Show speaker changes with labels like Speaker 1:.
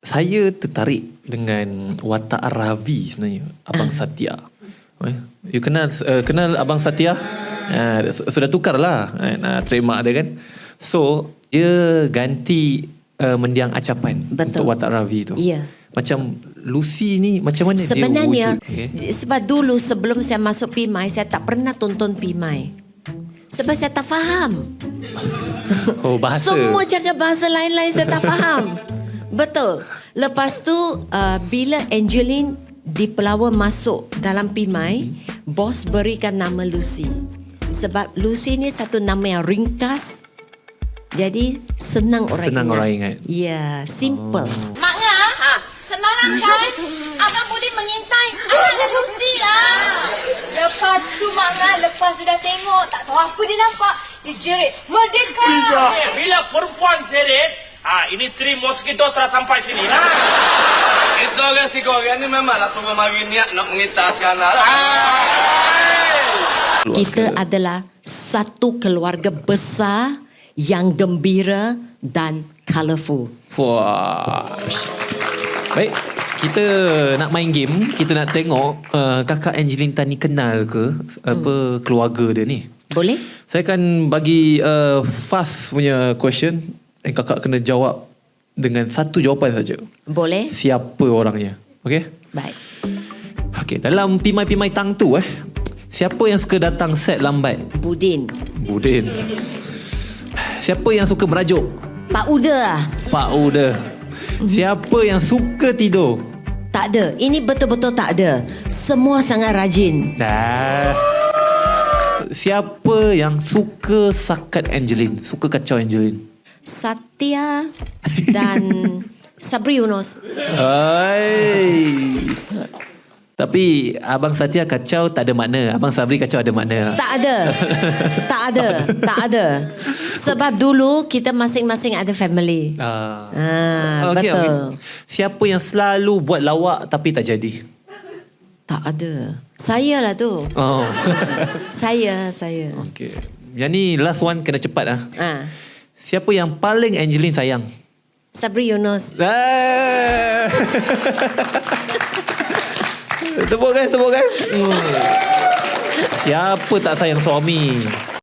Speaker 1: Saya tertarik dengan watak Ravi sebenarnya, Abang Satya. You kenal Abang Satya? Sudah tukar lah trademark dia kan. So dia ganti mendiang acapan.
Speaker 2: Betul.
Speaker 1: Untuk watak Ravi tu.
Speaker 2: Ya.
Speaker 1: Macam Lucy ni macam mana
Speaker 2: Sebenarnya,
Speaker 1: dia wujud?
Speaker 2: sebab dulu sebelum saya masuk Pimai, saya tak pernah tonton Pimai. Sebab saya tak faham.
Speaker 1: Oh, bahasa.
Speaker 2: Semua cakap bahasa lain-lain saya tak faham. Betul. Lepas tu bila Angeline di Pelawa masuk dalam Pimai, bos berikan nama Lucy. Sebab Lucy ni satu nama yang ringkas. Jadi senang orang
Speaker 1: ingat.
Speaker 2: Ya, simple.
Speaker 3: Mak Ngah, semalam kan Abang boleh mengintai anak dan Lucy lah. Lepas tu Mak Ngah, lepas dia dah tengok, tak tahu apa dia nampak, dia jerit, merdeka.
Speaker 4: Bila perempuan jerit, ini 3 mosquito sudah sampai sini lah.
Speaker 5: Itu orang 3 orang ni memang nak tunggu mari niat nak mengitas kanan.
Speaker 2: Kita adalah satu keluarga besar yang gembira dan colourful.
Speaker 1: Wah. Baik, kita nak main game. Kita nak tengok kakak Angeline Tan ni kenal ke apa keluarga dia ni.
Speaker 2: Boleh?
Speaker 1: Saya akan bagi fast punya question. Dan kakak kena jawab dengan satu jawapan saja.
Speaker 2: Boleh?
Speaker 1: Siapa orangnya? Okey?
Speaker 2: Baik.
Speaker 1: Okey, dalam Pimai-Pimai Tang tu siapa yang suka datang set lambat?
Speaker 2: Budin.
Speaker 1: Budin. Siapa yang suka merajuk?
Speaker 2: Pak Uda.
Speaker 1: Pak Uda. Siapa yang suka tidur?
Speaker 2: Tak ada. Ini betul-betul tak ada. Semua sangat rajin.
Speaker 1: Siapa yang suka sakat Angeline? Suka kacau Angeline?
Speaker 2: Satya dan Sabri Yunus.
Speaker 1: Hai. Tapi Abang Satya kacau tak ada makna. Abang Sabri kacau ada makna.
Speaker 2: Tak ada. Tak ada. Tak ada. Sebab dulu kita masing-masing ada family.
Speaker 1: Okey,
Speaker 2: betul.
Speaker 1: okey. Siapa yang selalu buat lawak tapi tak jadi?
Speaker 2: Tak ada. Saya lah tu.
Speaker 1: Oh.
Speaker 2: Saya.
Speaker 1: Okey. Yang ni last one kena cepat ah. Siapa yang paling Angeline sayang?
Speaker 2: Sabri Yunus.
Speaker 1: Tepuk guys. Siapa tak sayang suami?